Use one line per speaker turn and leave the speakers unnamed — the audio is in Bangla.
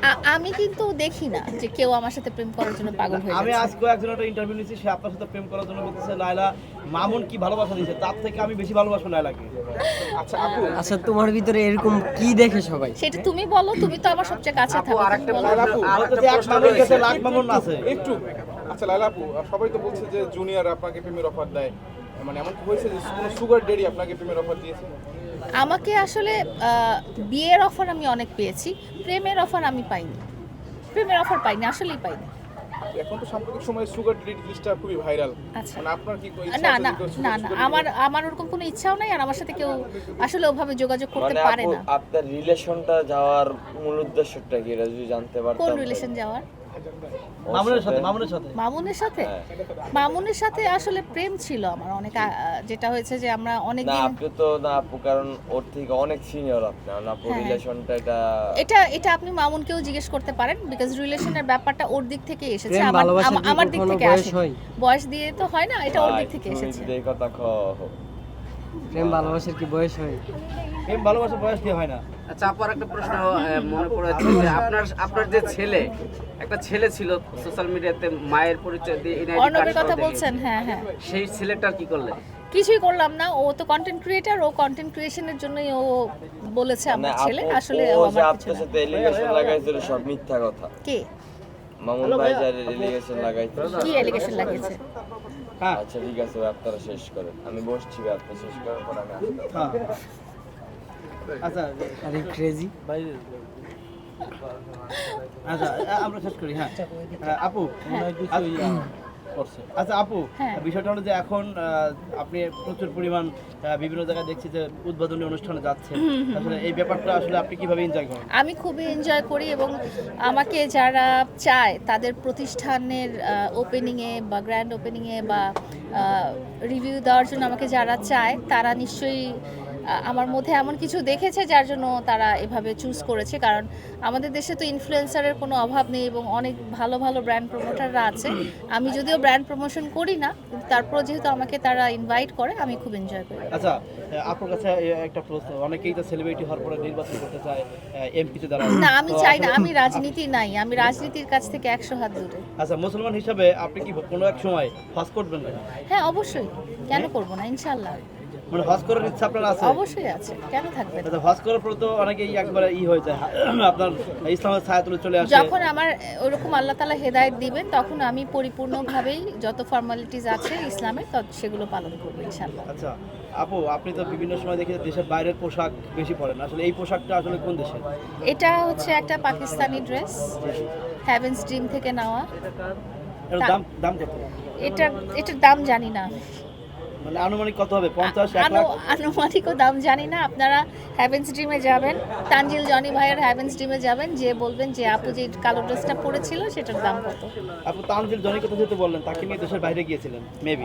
আমি কিন্তু দেখি না যে কেউ আমার সাথে প্রেম করার জন্য পাগল হয়ে
আমি
যাচ্ছে।
আজকে একজন একটা ইন্টারভিউ নিয়েছি, সে আপনার সাথে প্রেম করার জন্য বলতেছে লায়লা মামুন কি ভালোবাসা দিয়েছে, তার থেকে আমি বেশি ভালোবাসবো লায়লাকে।
আচ্ছা আপু,
আচ্ছা তোমার ভিতরে এরকম কি দেখে সবাই?
সেটা তুমি বলো, তুমি তো আমার সবচেয়ে কাছে থাকো, তুমি বলো।
লায়লা আপু,
বলতেছে এক মামুন গেছে লাখ মামুন আছে।
একটু আচ্ছা লায়লা আপু, সবাই তো বলছে যে জুনিয়র আপনাকে প্রেমের অফার দেয়, মানে এমন কি হয়েছে যে কোনো সুগার ডেডি আপনাকে প্রেমের অফার দিয়েছে?
আমাকে আসলে বিয়ের অফার আমি অনেক পেয়েছি, প্রেমের অফার আমি পাইনি। প্রেমের অফার পাইনি, আসলেই পাইনি।
এখন তো সাম্প্রতিক সময়ে সুগার ডেডি জিনিসটা খুবই ভাইরাল।
আচ্ছা।
মানে আপনার কি কোনো
না
ইচ্ছা আছে
না
যে কেউ
না
sugar
না
daddy
আমার ওরকম কোনো ইচ্ছাও নাই, আর আমার সাথে কেউ আসলে ওভাবে যোগাযোগ করতে
মানে
পারে
আপু,
না।
আপনার রিলেশনটা যাওয়ার মূল উদ্দেশ্যটা কি, এটা যদি জানতে
কোন
পারতাম।
রিলেশন যাওয়ার?
ওর
মামুনের সাথে মামুনের সাথে
মামুনের সাথে?
হ্যাঁ।
মামুনের সাথে আসলে প্রেম ছিল আমার অনেক যেটা হয়েছে যে আমরা অনেক
না
দিন
আপনি তো না আপু, কারণ ওর থেকে অনেক সিনিয়র আপনি, আর আপু
হ্যাঁ।
রিলেশনটা
এটা আপনি মামুনকেও জিজ্ঞেস করতে পারেন, বিকজ রিলেশনের ব্যাপারটা ওর দিক থেকে এসেছে,
প্রেম ভালোবাসার কি
আমার দিক
কখনো
থেকে
বয়স
আসে।
হয়?
বয়স দিয়ে তো হয় না, এটা ওর দিক থেকে এসেছে।
এই কথা
প্রেম ভালোবাসার কি বয়স হয়?
প্রেম ভালোবাসা বয়স দিয়ে হয় না।
আচ্ছা আপনার একটা প্রশ্ন মনে পড়েছে যে আপনার যে ছেলে, একটা ছেলে ছিল সোশ্যাল মিডিয়াতে মায়ের পরিচয় দিয়ে NID
অর্ণবের
card
কথা
সহ
বলছেন? হ্যাঁ হ্যাঁ।
দেখিয়েছে। সেই ছেলেটার কি করলেন?
কিছুই করলাম না, ও তো কন্টেন্ট ক্রিয়েটর, ও কন্টেন্ট ক্রিয়েশনের জন্যই ও বলেছে আমার ছেলে, আসলে ও আমার কিছু
আপনার
না।
সাথে এলিগেশন লাগাইছিল সব মিথ্যা কথা।
কে
মামুন ভাই যার এলিগেশন লাগাইছিল।
কি এলিগেশন লাগিয়েছে?
হ্যাঁ
আচ্ছা ঠিক আছে, আপনারা শেষ করেন, আমি বসছি, আপনারা শেষ করার পর আমি আসবো।
হ্যাঁ আচ্ছা
আরে ক্রেজি।
ভাই আচ্ছা আমরা শেষ করি। হ্যাঁ আপু আচ্ছা আপু,
হ্যাঁ।
বিষয়টা হলো যে এখন আপনি প্রচুর পরিমাণ বিভিন্ন জায়গায় দেখছি যে উদ্বোধনী অনুষ্ঠানে যাচ্ছেন, আসলে এই ব্যাপারটা আসলে আপনি কিভাবে এনজয় করেন?
আমি খুবই এনজয় করি, এবং আমাকে যারা চায় তাদের প্রতিষ্ঠানের ওপেনিংয়ে বা গ্র্যান্ড ওপেনিংয়ে বা রিভিউ দেওয়ার জন্য আমাকে যারা চায় তারা নিশ্চয়ই আমার মধ্যে এমন কিছু দেখেছে যার জন্য তারা এভাবে চুজ করেছে। কারণ আমাদের দেশে তো ইনফ্লুয়েন্সারের কোনো অভাব নেই এবং অনেক ভালো ভালো ব্র্যান্ড প্রমোটাররা আছে। আমি যদিও ব্র্যান্ড প্রমোশন করি না, কিন্তু তারপরও যেহেতু আমাকে তারা ইনভাইট করে, আমি খুব এনজয় করি।
আচ্ছা আপনার কাছে একটা প্রশ্ন, অনেকেই তো সেলিব্রিটি হওয়ার পরে নির্বাচন করতে চায়, এমপিতে দাঁড়ায়
না, আমি চাই না, আমি রাজনীতি নাই, আমি রাজনীতির কাছ থেকে 100 হাত দূরে।
আচ্ছা মুসলমান হিসাবে আপনি কি কোনো এক সময় হজ করবেন না?
হ্যাঁ অবশ্যই, কেন করব না, ইনশাআল্লাহ
মানে হজ করার ইচ্ছা আপনার আছে?
অবশ্যই আছে, কেন থাকবে না।
আচ্ছা হজ করার পর তো অনেকেই একবারে হয়ে যায়, আপনার ইসলামের ছায়া তুলে চলে আসে।
যখন আমার ওরকম আল্লাহ তাআলা হেদায়েত দিবেন, তখন আমি পরিপূর্ণভাবেই যত ফর্মালিটিস আছে ইসলামের সেগুলো পালন করবো ইনশাআল্লাহ।
আচ্ছা আপু, আপনি তো বিভিন্ন সময় দেখি যে দেশের বাইরের পোশাক বেশি পরেন, আসলে এই পোশাকটা আসলে কোন দেশের?
এটা হচ্ছে একটা পাকিস্তানি ড্রেস, হ্যাভেন্স ড্রিম থেকে নেওয়া।
এর দাম দাম কত?
এটার দাম জানি না,
মানে আনুমানিক কত হবে? 50-1 লাখ?
আনুমানিকও দাম জানি না। আপনারা হ্যাভেন্স ড্রিমে যাবেন, তানজিল জনি ভাইয়ের হ্যাভেন্স ড্রিমে যাবেন, যে বলবেন যে আপু যে কালো ড্রেসটা পরেছিল সেটার দাম কত।
আপু তানজিল জনি কথা যেহেতু বললেন, তাকে নিয়ে দেশের বাইরে গিয়েছিলেন মেবি।